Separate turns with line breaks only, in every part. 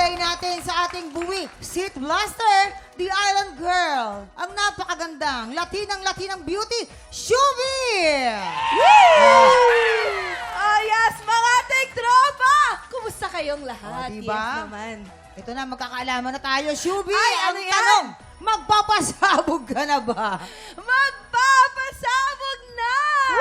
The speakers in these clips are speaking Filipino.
Ilalagay natin sa ating buwi, Seat Blaster, the Island Girl, ang napakagandang Latinang beauty, Shubi!
Yes, mga ating tropa! Kumusta kayong lahat?
Diba?
Yes naman.
Ito na, magkakaalaman na tayo, Shubi.
Ay,
ang
ano yan?
tanong, magpapasabog ka na ba?
Magpapasabog na!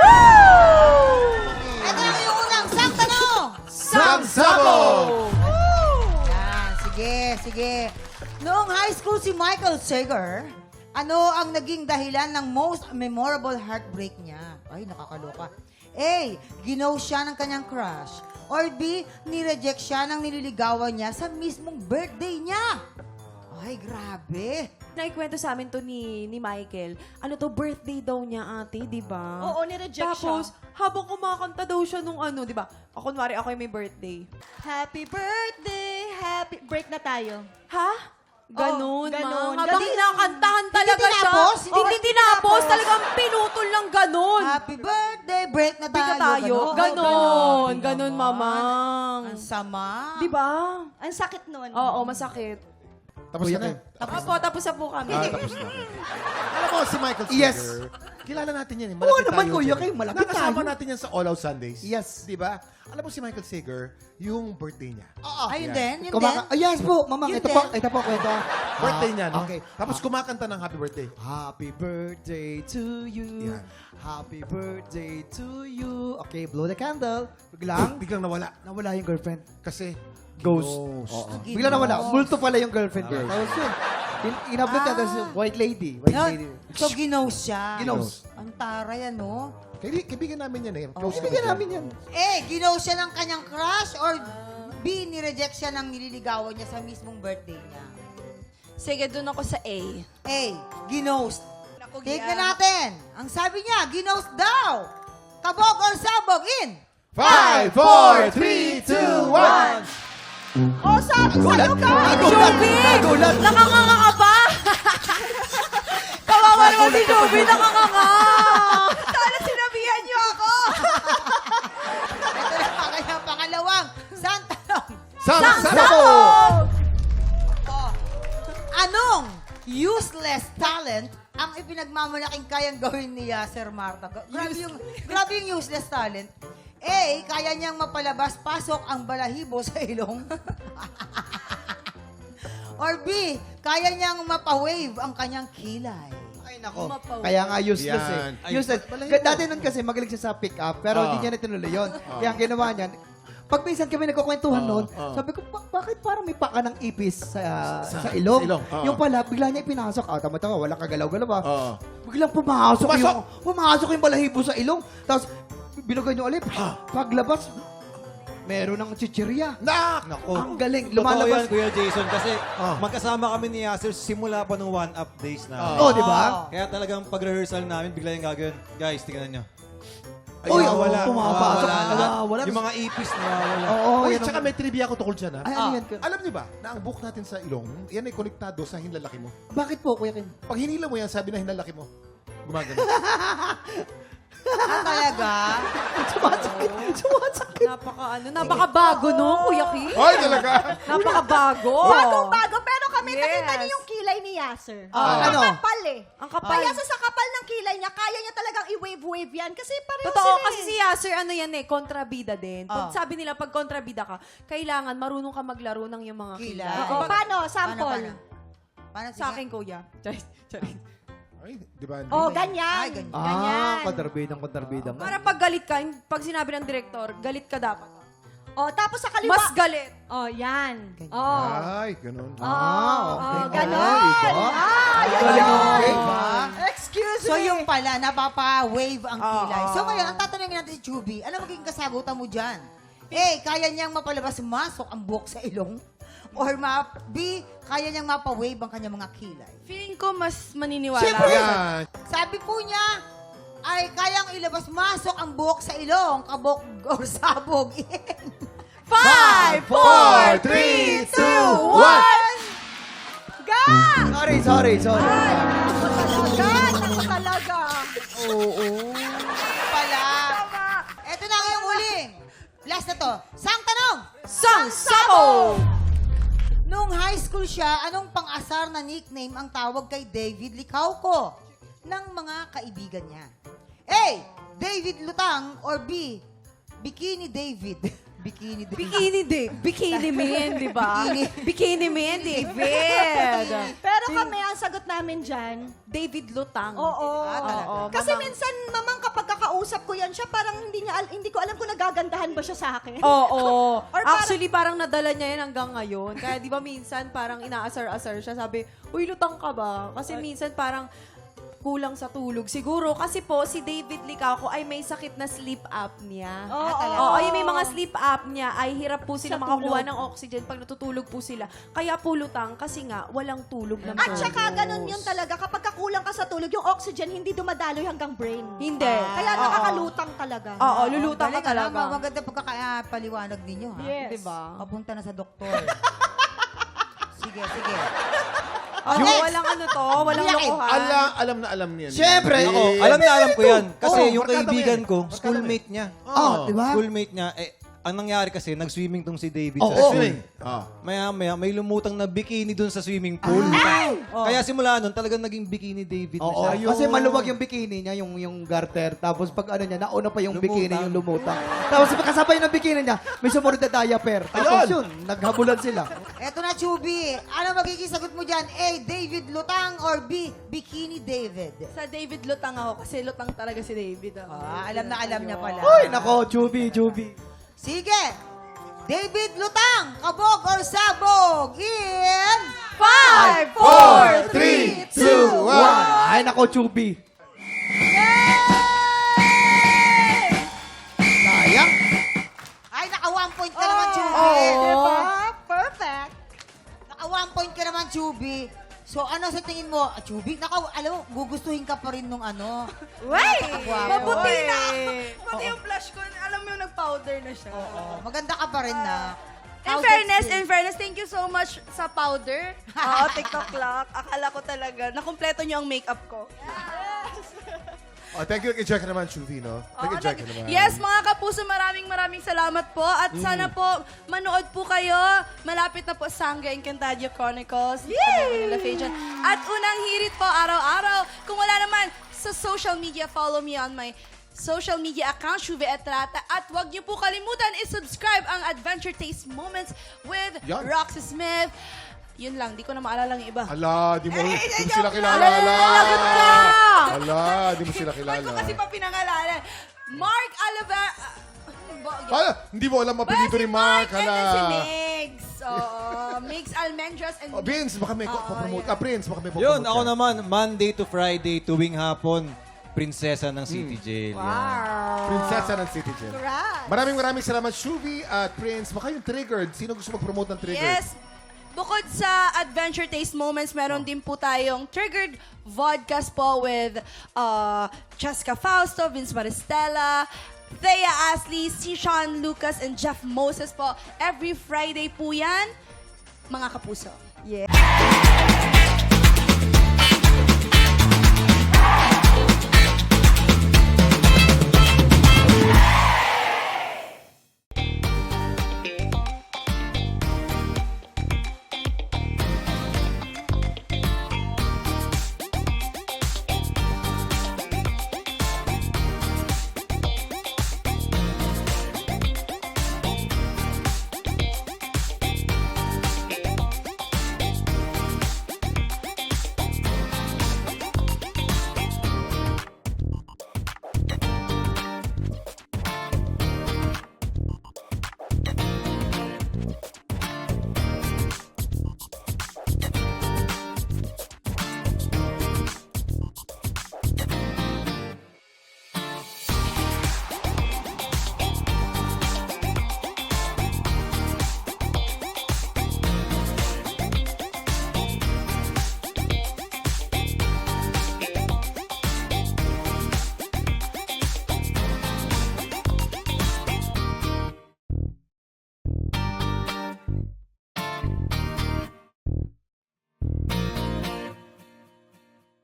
Ito na yung unang sang tanong.
Sangsabog!
Yan, sige. Noong high school si Michael Sager, ano ang naging dahilan ng most memorable heartbreak niya? Ay, nakakaloka. A. Ginaw siya ng kanyang crush. Or B. Nireject siya ng nililigawan niya sa mismong birthday niya. Ay, grabe.
Naikwento sa amin to ni Michael. Ano to, birthday daw niya ate, di ba?
Oo, nireject
Tapos, habang kumakanta daw siya nung ano, di ba? Ako, kunwari, ako yung may birthday.
Happy birthday! Happy... Break na tayo.
Ha? Ganun,
ganun.
ma. Habang
Ganun.
nakantahan talaga
Hindi
siya.
tinapos?
Hindi tinapos. Talagang pinutol lang ganun.
Happy birthday, break na
Hindi
tayo.
ka tayo.
Ganon.
Ganon, mamang.
Ang sama.
Di ba?
Ang sakit nun.
Oo, masakit.
Tapos na kayo.
Tapos na po kami.
Tapos na. Alam mo, si Michael Sager,
Yes.
kilala natin yan.
Oo
Malapit
naman,
tayo
kuya,
dyan.
kayo, malapit
Nakasama
tayo.
natin yan sa All Out Sundays.
Yes.
Di ba? Alam mo si Michael Sager, yung birthday niya.
Ayun
Yan.
din, yun din.
Yes po, mamang.
Yun
Ito
din.
po, kwento.
Birthday niya, no?
Okay.
Tapos kumakanta ng happy birthday.
Happy birthday to you.
Yan.
Happy birthday to you. Okay, blow the candle. Biglang,
Biglang nawala.
nawala yung girlfriend.
Kasi,
Ghost.
Ghost.
Oo.
Ghost.
Bigla nawala. Multo pala yung girlfriend.
Yes.
Tapos yun. Inablot niya, tapos yung white lady. White lady.
So, ginaw siya.
Ginaws.
Ang taray, ano?
Kaibigan namin yan eh. Close
Bigyan
kami
namin yan.
A. Ginaw siya ng kanyang crush or B. Nireject siya ng nililigawan niya sa mismong birthday niya.
Sige, dun ako sa A.
A. Ginost.
Naku,
Tignan
Gia.
natin. Ang sabi niya, ginost daw. Kabog or sabog in.
5, 4, 3, 2, 1.
Oh, sabi sa'yo ka!
Joby! Nakanganga ka pa! Kawawa naman si Joby, nakanganga!
Sana sinabihan niyo ako!
Ito na ang kanyang pangalawang sang tanong.
Sangsabog!
Oh, anong useless talent ang ipinagmamalaking kayang gawin ni Sir Marta? Grabe yung useless talent. A, kaya niyang mapalabas-pasok ang balahibo sa ilong. Or B, kaya niyang mapawave ang kanyang kilay.
Ay, nako. Kaya nga useless
Yan.
eh. Useless. Dati nun kasi magaling siya sa pick-up, pero hindi niya natuloy yun. Kaya ang ginawa niya, pag minsan kami nagkukwentuhan noon, sabi ko, bakit parang may paka ng ipis sa ilong?
sa ilong,
Yung pala, bigla niya ipinasok. Tama-tama, wala kagalaw-galaw ba? Biglang
Pumasok!
pumasok yung balahibo sa ilong. Tapos, binugay niyo ulit. Paglabas, meron ng chichirya.
Nako!
Ang galing.
Totoo
Lumalabas.
yan, Kuya Jason, kasi
Ah.
magkasama kami ni Yasser simula pa nung one-up days na.
Oh, di ba?
Kaya talagang pag-rehearsal namin, bigla yung gagawin. Guys, tingnan nyo.
Uy,
nawawala.
pumapasok.
Nawawala.
Nawawala.
Yung mga ipis nawawala.
Oo,
Uy,
yan ang-
tsaka may trivia ako tungkol dyan, ha?
Ay, ano yan?
Alam niyo ba, na ang buhok natin sa ilong, yan ay konektado sa hinlalaki mo.
Bakit po, Kuya Ken?
Pag hinila mo yan, sabi na hinlalaki mo. Gumagano.
Ah, talaga?
Sumasakit.
Napakabago no, Kuya Ki?
Hoy, talaga!
Napakabago.
Bagong-bago, pero kami
Yes.
nakita niyo yung kilay ni Yasser.
Ano?
Ang kapal eh.
Ang kapal.
Kaya sa kapal ng kilay niya, kaya niya talagang i-wave-wave yan. Kasi pareho
Totoo,
sila
kasi
eh.
si Yasser, ano yan eh, kontrabida din. Pag
Oh.
sabi nila, pag kontrabida ka, kailangan marunong ka maglaro ng yung mga
Kilay.
kilay.
Oo, paano? Sample.
Paano
Sa akin, Kuya. Charis.
Ay, di ba?
Oh, ganyan.
Ay, ganyan.
Ganyan.
Kontrabidang.
Para pag galit ka, pag sinabi ng direktor, galit ka dapat.
Oh, tapos sa kaliwa.
Mas galit.
Oh, yan.
Ganyan.
Oh.
Ay, ganun.
Okay.
Ganon.
Diba?
Yun
Galing,
yun.
okay.
Diba?
Excuse
So
me.
yung pala, napapa-wave ang kilay.
Oo.
So ngayon, ang tatanungin natin si Chubby, ano magiging kasagutan mo dyan? A, kaya niyang mapalabas-masok ang buhok sa ilong? Or B, kaya niyang mapa-wave ang kanyang mga kilay?
Feeling ko mas maniniwala.
Siyempre.
Yan.
Sabi po niya, ay kayang ilabas-masok ang buhok sa ilong, kabok or sabog.
5,
4, 3, 2, 1!
Ga!
Sorry.
Talaga. Naku talaga.
Pala. Eto na ngayong huling. Last na to. Sang tanong!
Sang Sabo!
siya, anong pang-asar na nickname ang tawag kay David Licauco ng mga kaibigan niya? A. David Lutang or B. Bikini David. Bikini David.
Bikini Dave. Bikini Man, di ba? Bikini Man, David.
Pero kami, ang sagot namin dyan,
David Lutang.
oo.
Oo,
Kasi
mamang-
minsan, mamang kapag kakausap ko yan siya, parang hindi ko alam kung nagagandahan ba siya sa akin.
Oo.
Or parang-
Actually, parang nadala niya yan hanggang ngayon. Kaya di ba minsan parang inaasar-asar siya. Sabi, uy, lutang ka ba? Kasi minsan parang kulang sa tulog. Siguro, kasi po, si David Licauco ay may sakit na sleep apnea. Oo, yung may mga sleep apnea ay hirap po sila
Sa
makakuha
tulog.
ng oxygen pag natutulog po sila. Kaya po lutang kasi nga, walang tulog ng
At
tulog.
saka ganun yun talaga. Kapag kakulang ka sa tulog, yung oxygen hindi dumadaloy hanggang brain.
Hindi.
Kaya
Oo.
nakakalutang talaga.
Oo, lulutang ka
Galing, alam
talaga.
mo, maganda pagkakapaliwanag ninyo, ha?
Yes.
Diba?
Papunta na sa doktor. Sige, sige.
Oo,
next.
walang ano to, walang
Yakin.
lokohan.
Alam na alam niyan.
Siyempre.
Ako, alam na alam ko yan. Kasi
Oo,
yung
barkada mo
kaibigan
yan.
ko,
Barkada
schoolmate niya.
Oh, di ba?
Schoolmate niya, ang nangyari kasi, nag-swimming tong si David
Oo.
sa school.
Swimming.
Maya-maya, may lumutang na bikini dun sa swimming pool. Kaya simula nun, talagang naging bikini David na
Oo,
siya.
kasi maluwag yung bikini niya, yung garter. Tapos pag ano niya, nauna pa yung
Lumutang.
bikini yung lumutang. Tapos pagkasabay ng bikini niya, may sumunod na diaper. Tapos yun, naghabulan sila.
Eto na, Chubby. Ano magiging sagot mo dyan? A. David Lutang or B. Bikini David?
Sa David Lutang ako kasi lutang talaga si David.
Alam na alam niya pala.
Uy, nako, Chubby.
Sige. David Lutang, kabog or sabog in
5,
4, 3, 2, 1.
Ay, nako, Chubby. Sayang.
Ay, naka 1 point ka naman, Chubby.
Diba? Perfect.
Naka 1 point ka naman, Chubby. So, ano sa tingin mo, Chubby? Naka, alam mo, gugustuhin ka pa rin nung ano.
Wait!
Napakagwapo.
Mabuti na! Pati yung flash ko, alam mo yung nag-powder na siya.
Maganda ka pa rin na.
In
How's
fairness,
it
thank you so much sa powder. Oo, TikTok clock. Akala ko talaga, nakumpleto niyo ang makeup ko.
Thank you kay Jack naman, Chuvi, no? Thank you, Jack naman.
Yes, mga kapuso, maraming salamat po. At sana po, manood po kayo. Malapit na po Sangre Encantadia Chronicles. Yay! At unang hirit po, araw-araw. Kung wala naman, sa social media, follow me on my social media account, Shuve Etrata. At huwag niyo po kalimutan i-subscribe ang Adventure Taste Moments with
Yan.
Roxy Smith. Yun lang, di ko na maalala yung iba.
Ala, di mo sila kilala. Ala, di mo sila kilala.
Ba't ko kasi pa pinangalanan? Mark Oliver...
Hindi mo alam mapilito ni Mark.
And then si
Hala.
Migs. Migs Almendras and...
Vince, baka may promote. Prince, baka may
Yun,
promote
ako
ka.
naman, Monday to Friday, tuwing hapon, prinsesa ng City Jail. Yan.
Prinsesa ng City Jail.
Right.
Maraming salamat, Shuvi at Prince. Baka yung Triggered. Sino gusto mag-promote ng Triggered?
Yes. Bukod sa Adventure Taste Moments, meron din po tayong Triggered Vodcast po with Jessica Fausto, Vince Maristella, Thea Ashley, si Sean Lucas, and Jeff Moses po. Every Friday po yan, mga kapuso.
Yeah.